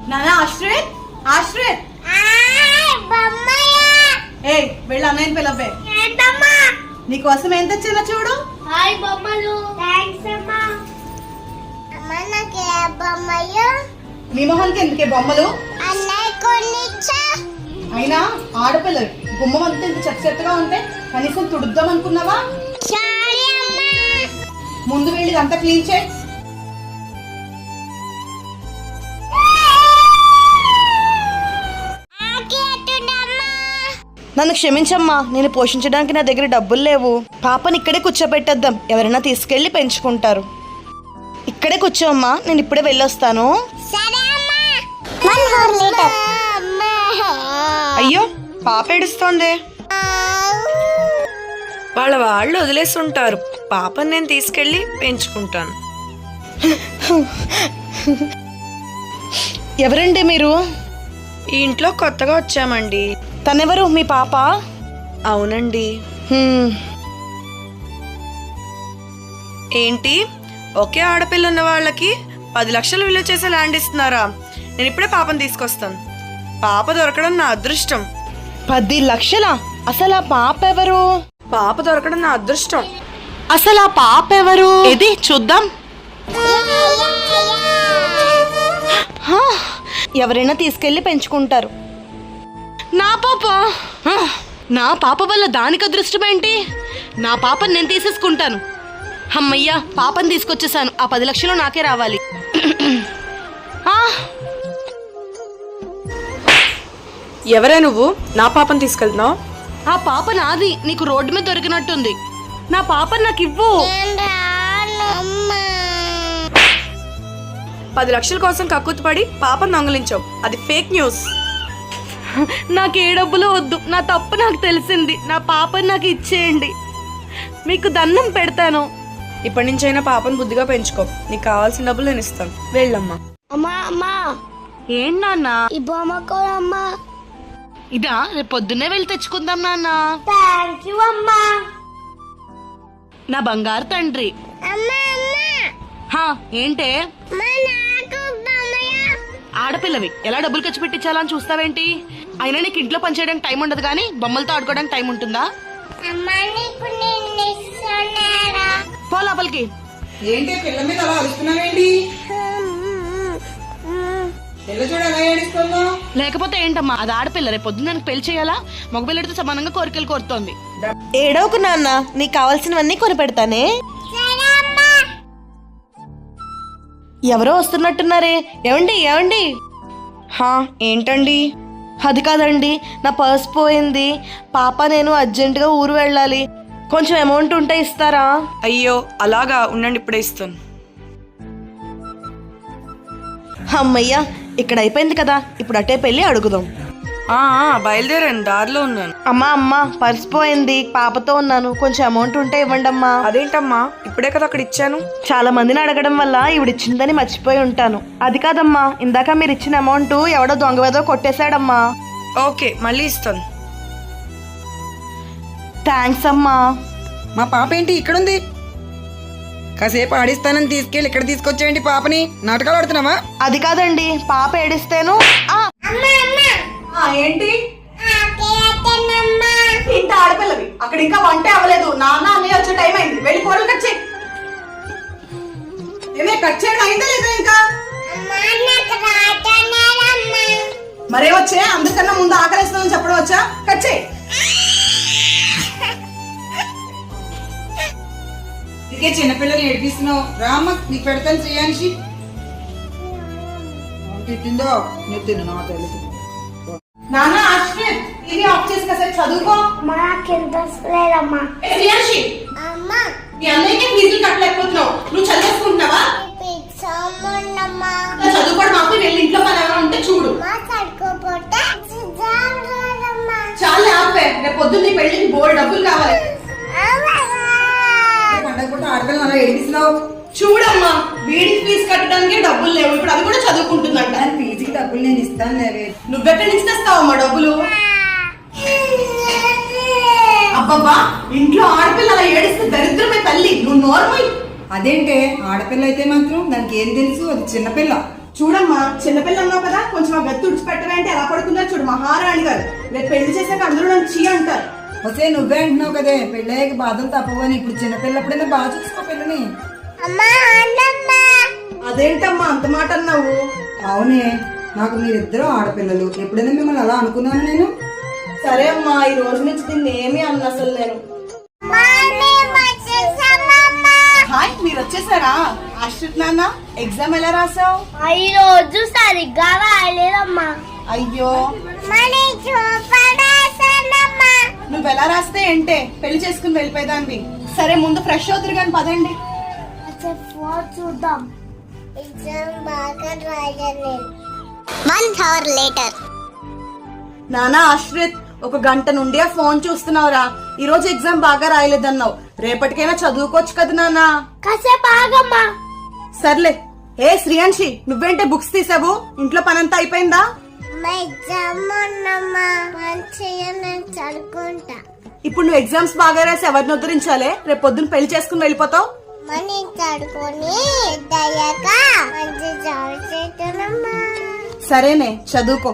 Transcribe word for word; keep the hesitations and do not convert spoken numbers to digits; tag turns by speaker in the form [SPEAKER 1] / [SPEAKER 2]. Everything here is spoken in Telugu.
[SPEAKER 1] నానా ఆశ్రిత్ ఆశ్రిత్ ఏ వెళ్ళి అన్నయ్యని పిలవే. నీకోసం ఏం తెచ్చానో చూడు.
[SPEAKER 2] హాయ్ బొమ్మలు. థాంక్స్ అమ్మా. అమ్మా నాకు ఏ బొమ్మలు?
[SPEAKER 1] మీ మొహానికి ఎందుకే బొమ్మలు?
[SPEAKER 2] అన్నయ్య కొనిచ్చా.
[SPEAKER 1] అయినా ఆడపిల్లలు గుమ్మం అంతా ఇంత చెత్త చెత్తగా ఉంటే కనీసం తుడుద్దాం అనుకున్నావా?
[SPEAKER 2] సారీ అమ్మా.
[SPEAKER 1] ముందు వెళ్ళి అంతా క్లీన్ చేయి. నన్ను క్షమించమ్మా, నేను పోషించడానికి నా దగ్గర డబ్బులు లేవు. పాపని ఇక్కడే కూర్చోబెట్టేద్దాం, ఎవరైనా తీసుకెళ్లి పెంచుకుంటారు. ఇక్కడే కూర్చోమ్మా, నేను ఇప్పుడే వెళ్ళొస్తాను. అయ్యో పాప ఏడుస్తోంది.
[SPEAKER 3] వాళ్ళ వాళ్ళు వదిలేసి ఉంటారు, పాపని నేను తీసుకెళ్ళి పెంచుకుంటాను.
[SPEAKER 1] ఎవరండి మీరు?
[SPEAKER 3] ఈ ఇంట్లో కొత్తగా వచ్చామండి.
[SPEAKER 1] తనెవరు? మీ పాప?
[SPEAKER 3] అవునండి. ఏంటి ఒకే ఆడపిల్ల ఉన్న వాళ్ళకి పది లక్షలు విలువ చేసే ల్యాండ్ ఇస్తున్నారా? నేను ఇప్పుడే పాపను తీసుకొస్తాను. పాప దొరకడం నా అదృష్టం.
[SPEAKER 1] పది లక్షలా? అసలు ఆ పాప ఎవరు?
[SPEAKER 3] పాప దొరకడం నా అదృష్టం.
[SPEAKER 1] అసలు ఆ పాప ఎవరు? ఏది చూద్దాం. ఎవరైనా తీసుకెళ్లి పెంచుకుంటారు. నా పాప నా పాప వల్ల దానికి అదృష్టం ఏంటి? నా పాపని నేను తీసేసుకుంటాను. అమ్మయ్యా, పాపని తీసుకొచ్చేసాను. ఆ పది లక్షలు నాకే రావాలి.
[SPEAKER 3] ఎవరే నువ్వు నా పాపని తీసుకెళ్తున్నావు?
[SPEAKER 1] ఆ పాప నాది. నీకు రోడ్డు మీద దొరికినట్టుంది. నా పాపని నాకు ఇవ్వు.
[SPEAKER 3] పది లక్షల కోసం కక్కుతుపడి పాపను దొంగలించావు, అది ఫేక్ న్యూస్.
[SPEAKER 1] నాకు ఏ డబ్బులు వద్దు, నా తప్పు నాకు తెలిసింది. నా పాపని నాకు ఇచ్చేయండి, మీకు దండం పెడతాను.
[SPEAKER 3] ఇప్పటి నుంచైనా పాపను బుద్ధిగా పెంచుకో. నీకు కావాల్సిన డబ్బులు నేను ఇస్తాను, వెళ్ళమ్మా.
[SPEAKER 2] అమ్మా అమ్మా
[SPEAKER 1] ఏంటి నాన్న?
[SPEAKER 2] ఈ బొమ్మ కూడా అమ్మా.
[SPEAKER 1] ఇదా? రేపు పొద్దున్నే వెళ్ళి తెచ్చుకుందాం నాన్న.
[SPEAKER 2] థ్యాంక్ యూ అమ్మా.
[SPEAKER 1] నా బంగారు తండ్రి.
[SPEAKER 2] అమ్మా అమ్మా
[SPEAKER 1] హా ఏంటే?
[SPEAKER 2] మా నాకు బొమ్మయా.
[SPEAKER 1] ఆడపిల్లవి ఎలా డబ్బులు ఖర్చు పెట్టించాలని చూస్తావేంటి? అయినా నీకు ఇంట్లో పనిచేయడానికి టైం ఉండదు కానీ బొమ్మలతో ఆడుకోవడానికి టైం ఉంటుందా?
[SPEAKER 2] అమ్మా నీకు నేను ఇస్తున్నారా?
[SPEAKER 1] పో లోపలికి.
[SPEAKER 4] ఏంటి పిల్ల మీద అలా అరుస్తున్నావేంటి? పిల్ల చూడ ఎలా ఏడుస్తుందో.
[SPEAKER 1] లేకపోతే ఏంటమ్మా, అది ఆడపిల్ల. రేపు పొద్దున్న దానికి పెళ్లి చేయాలా? మగపిల్లడితో సమానంగా కోరికలు కోరుతోంది. ఏడవకు నాన్న, నీకు కావాల్సినవన్నీ కొని పెడతానే. ఎవరో వస్తున్నట్టున్నారే. ఏమండి ఏమండి?
[SPEAKER 3] హా ఏంటండి?
[SPEAKER 1] అది కాదండి, నా పర్స్ పోయింది. పాప నేను అర్జెంటుగా ఊరు వెళ్ళాలి. కొంచెం అమౌంట్ ఉంటే ఇస్తారా?
[SPEAKER 3] అయ్యో అలాగా, ఉండండి ఇప్పుడే ఇస్తాను.
[SPEAKER 1] అమ్మయ్యా, ఇక్కడ అయిపోయింది కదా. ఇప్పుడు అటే పెళ్ళి అడుగుదాం.
[SPEAKER 3] ఆ బయలుదేరాను, దారిలో ఉన్నాను.
[SPEAKER 1] అమ్మా అమ్మా పర్స్ పోయింది, పాపతో ఉన్నాను. కొంచెం అమౌంట్ ఉంటే ఇవ్వండి అమ్మా.
[SPEAKER 3] అదేంటమ్మా, ఇప్పుడే కదా అక్కడ ఇచ్చాను.
[SPEAKER 1] చాలా మందిని అడగడం వల్ల ఇవిడిచ్చిందని మర్చిపోయి ఉంటాను. అది కాదమ్మా, ఇందాక మీరు ఇచ్చిన అమౌంట్ ఎవడో దొంగ వేదో కొట్టేశాడమ్మా.
[SPEAKER 3] ఓకే మళ్ళీ ఇస్తాను.
[SPEAKER 1] థ్యాంక్స్ అమ్మా.
[SPEAKER 4] మా పాప ఏంటి ఇక్కడుంది? కాసేపు ఆడిస్తానని తీసుకెళ్ళి ఇక్కడ తీసుకొచ్చేయండి పాపని. నాటకాలు ఆడుతున్నావా?
[SPEAKER 1] అది కాదండి, పాప ఏడిస్తేను. ఏంటి? ఇంత ఆడపిల్లవి, అక్కడ ఇంకా వంటే అవ్వలేదు. నాన్న అన్నయ్య వచ్చే టైం అయింది, వెళ్ళి కూరలు కట్ చేయి. ఏమే కట్ చేయడం అయిందా లేదా? ఇంకా మరే వచ్చే, అందుకన్నా ముందు ఆకలిస్తుందని చెప్పడం వచ్చా? కట్ చేయి.
[SPEAKER 4] ఇదికే చిన్నపిల్లని ఏడిపిస్తున్నావు. రామ్మ నీకు పెడతాను శ్రేయాన్షి. తిట్టిందో నువ్వు తిను, నా తెలుసు.
[SPEAKER 1] నాన్న ఆశ్రిత్, టీవీ ఆఫ్ చేసి కాసేపు చదువుకో.
[SPEAKER 2] మాకు ఇంట్రెస్ట్ లేదమ్మా.
[SPEAKER 1] శ్రేయాన్షి,
[SPEAKER 2] అమ్మా
[SPEAKER 1] మీ అన్నయ్యకి ఫీజులు కట్టలేకపోతున్నావు, నువ్వు చదివేసుకుంటున్నావా? చదువుకోవడం మాకు వెళ్ళి ఇంట్లో పని ఎవరైనా ఉంటే చూడు. చాలా ఆపే, రేపు పొద్దున్న పెళ్లికి బోర్డు డబ్బులు కావాలి.
[SPEAKER 4] పండగ పూట ఆడపిల్లని అలా ఏడిపిస్తున్నావు.
[SPEAKER 1] చూడమ్మా, వీడికి ఫీజు కట్టడానికి డబ్బులు లేవు, ఇప్పుడు అది కూడా చదువుకుంటుందంట.
[SPEAKER 4] ఫీజుకి డబ్బులు నేను ఇస్తాను లేవే.
[SPEAKER 1] నువ్వెక్కడి నుంచి తెస్తావమ్మా డబ్బులు? అబ్బబ్బా, ఇంట్లో ఆడపిల్ల అలా ఏడిస్తే దరిద్రమే తల్లి. నువ్వు నోర్మల్.
[SPEAKER 4] అదేంటే ఆడపిల్ల అయితే మాత్రం దానికి ఏం తెలుసు? అది చిన్నపిల్ల.
[SPEAKER 5] చూడమ్మా చిన్నపిల్ల అన్నావు కదా కొంచెం ఆ గత్తి తుడిచిపెట్టవంటే ఎలా పడుకుందో చూడు మహారాణి గారు రేపు పెళ్లి చేసాక అందరూ నన్ను చీ అంటారు.
[SPEAKER 4] వస్తే నువ్వే అంటున్నావు కదే పెళ్ళయ్యాక బాధలు తప్పవని. ఇప్పుడు చిన్నపిల్లప్పుడైనా బాగా చూసుకో పిల్లని.
[SPEAKER 2] అమ్మా అన్నమ్మ
[SPEAKER 5] అదేంటమ్మా అంత మాట అన్నావు?
[SPEAKER 4] అవునే, నాకు మీరిద్దరూ ఆడపిల్లలు. ఎప్పుడైనా మిమ్మల్ని అలా అనుకున్నాను నేను?
[SPEAKER 5] సరే అమ్మా ఈ రోజు నుంచి దీన్ని ఏమీ అన్న అసలు నేను.
[SPEAKER 2] మమ్మీ వచ్చేసామమ్మా.
[SPEAKER 5] హాయ్ మీరు వచ్చేసారా? ఆశ్రిత్ నాన్న ఎగ్జామ్ ఎలా రాసావు?
[SPEAKER 2] ఈ రోజు సరిగ్గా రాయలేదమ్మా.
[SPEAKER 5] అయ్యో
[SPEAKER 2] మనీ చూపడాసనమ్మా.
[SPEAKER 5] నువ్వు ఎలా రాస్తే ఏంటే పెళ్లి చేసుకుని వెళ్ళిపోయేదాన్ని. సరే ముందు ఫ్రెష్ అవుతురు కానీ పదండి.
[SPEAKER 2] ఫోన్ చూద్దాం. ఎగ్జామ్ బాగా రాయలేదు. One hour later.
[SPEAKER 5] నానా ఆశ్రిత్ ఒక గంట నుండి ఆ ఫోన్ చూస్తున్నావురా. ఈ రోజు ఎగ్జామ్ బాగా రాయలేదన్నావు. రేపటికైనా చదువుకోవచ్చు కదా నానా.
[SPEAKER 2] కాసేపు ఆగమ్మా.
[SPEAKER 5] సర్లే. ఏ శ్రీయాంశి నువ్వేంటే బుక్స్ తీసావు? ఇంట్లో పనంతా అయిపోయిందా?
[SPEAKER 2] మా ఎగ్జామ్ ఉన్నమ్మా. మంచిగా నేను చదువుకుంటా.
[SPEAKER 5] ఇప్పుడు నువ్వు ఎగ్జామ్స్ బాగా రాసి ఎవరిని ఉద్ధరించాలే? రేపు పొద్దున్న పెళ్లి చేసుకుని వెళ్ళిపోతావు.
[SPEAKER 2] మనీ చదువుకొని దయ్యాక మంచి జాబ్ చేస్తానమ్మా.
[SPEAKER 5] సరేనే చదువుకో.